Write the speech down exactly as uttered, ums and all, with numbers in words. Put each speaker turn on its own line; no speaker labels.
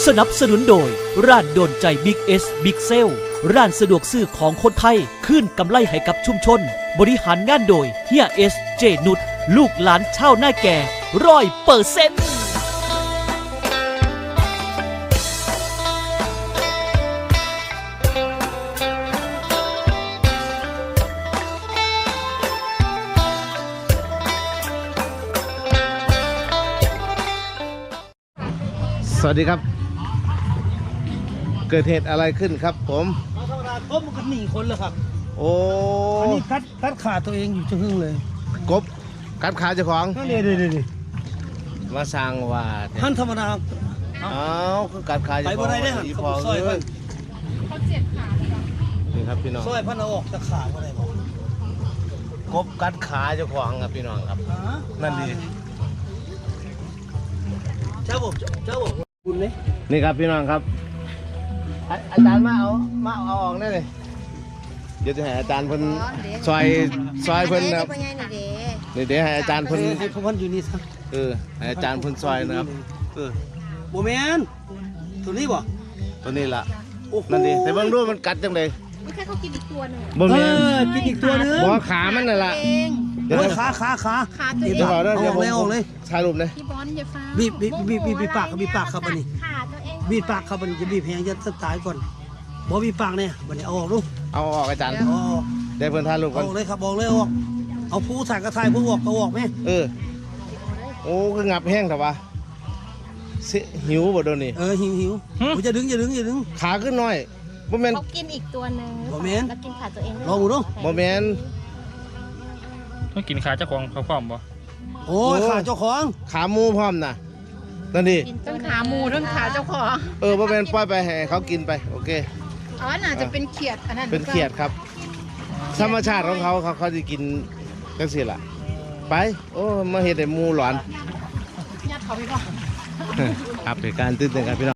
สนับสนุนโดยร้านโดนใจบิ๊กเอสบิ๊กเซลร้านสะดวกซื้อของคนไทยขึ้นกำไรให้กับชุมชนบริหารงานโดยเฮียเอสเจนุชลูกหลานชาวนาแก่ร้อยเปอร์เซ็นต์
สวัสดีครับเกิดเหตุอะไรขึ้นครับผม
ธรรมดาครบมันก็หนีคนเลยครับ
โอ้
อันนี้คัดคัดขาตัวเองอยู่จังหึ่งเลย
กบกัดขาเจ้าของ
นั่นเดี๋ยวเดี๋ยวเดี๋ยว
มาสร้างว่า
ท่านธรรมดา
เอ้าคือกัดขาเจ้า
ไป
ข
บ่
อง
ได้ได้อ
อี
เขา
พอ
ซอย
เอ้
เพิ่
ย
น
นี่ครับพี่น้อง
ซอยพันเอาออกตะขาบ่ได้บ่
กบกัดขาเจ้าของครับพี่น้องครับ นั่นดี
เจ้าบอกเจ้าบอกบุญเลย
นี่ครับพี่น้องครับอาอาจารย์มาเอามาเอาออกได้เลยเดี๋ยวจะให้อาจารย์เพิ่นซอยซอยเพิ่นนะครับนี่เดี๋ยวให้อาจารย์เพิ่น
ให้พวกมันอยู่นี่ซะ
เออให้อาจารย์เพิ่นซอยนะครับเออ
บ่แม่นตัวนี้บ่
ตัวนี้ล่ะ
โอ้โห
นั่นดิแต่เบิ่งดูมันกัดจังได๋
ไม่ใช่เขากินอีกตัวหนึ่ง
บ่
เอ
แม่น
อกินอีกตัวนึง
บ่ขามันนั่นล่ะ
เอง
เดี๋ยว
โอ้ย
นะ
ขาขาขา
ขาตัวเอ
เดี๋ยว
ง
ก่อนนะเดี๋ยวผม
เอาออกเลย
ถ่ายรูปเลย
พี่บอลอย่าฟ้า
บีบบีบบีบบีบบีบปากครับบีบปากครับอันนี้
ขาตัวเอง
บีบปากครับอันนี้จะบีบแหงจะตายก่อนบ่บีบปากเนี่ยบัดนี้เอาออกดู
เอาออกอาจารย์
เอาออก
ได้เพิ่นถ่ายรูป
เอา
ก่อน
ออกเลยครับบอกเลยเอาออกเอาผู้ถ่ายกระถ่ายผู้ออกเอาออกไหม
เออโอ้คืองับแห้งแต่ว่าสิหิวบ่โดนนี่
เออหิวหิวผมจะดึงอย่าดึงอย่าดึง
ขาขึ้นน้อยบ่แม่น
เขากินอีกตัวหนึ่ง
บ่แม่น
แล้วกินขาตัวเอง
ลองดูดู
บ่แม่น
ต้องกินขาเจ้าของเขาพร้อมบ่
โอ้ยขาเจ้าของ
ขาหมูพร้อมน่ะนั่นดิ
กินทั้งขาหมูทั้งขาเจ้าของ
เออบ่แม่นปล่อยไปให้เขากินไปโอเค
อ๋อน่าจะเป็นเขียดอันนั้น
เป็นเขียดครับ ธรรมชาติของเขาเขาเขาสิกินจังซี่ล่ะไปโอ้มาเฮ็ดให้หมูหลอน
ญาติเขาพี่บอล
ครับเหตุการณ์ตื่นเต้นครับพี่น้อง